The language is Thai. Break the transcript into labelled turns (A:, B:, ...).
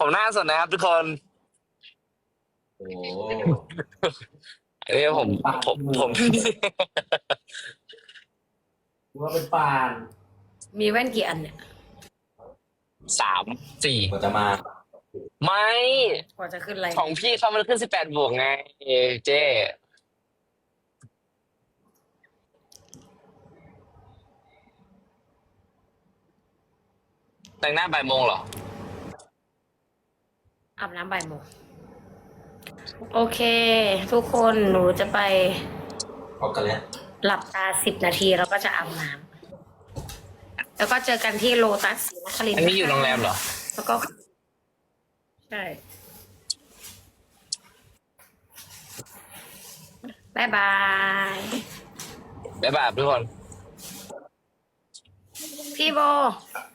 A: ผมหน้าสดนะครับทุกคน
B: โอ้
A: อันนี้ผม
B: ว่าเป็นปาน
C: มีแว่นกี่อันเนี่ย
A: 3 4
B: กว่าจะมา
A: ไม่
C: กว่าจะขึ้นอะไร
A: ของพี่เขามันขึ้น18 บวกไงเจ๊แต่งหน้าบ่ายโมงเหรอ
C: อาบน้ำบ่ายโมงโอเค ทุกคนหนูจะไป
B: ออกกันแล้ว
C: หลับตา10 นาทีแล้วก็จะอาบน้ำแล้วก็เจอกันที่โลตัสศรีนครินทร์
A: อันนี้อยู่โรงแรมเหรอ
C: แล้วก็ ใช่บายบาย
A: บ๊ายบายทุกคน
C: พี่โบ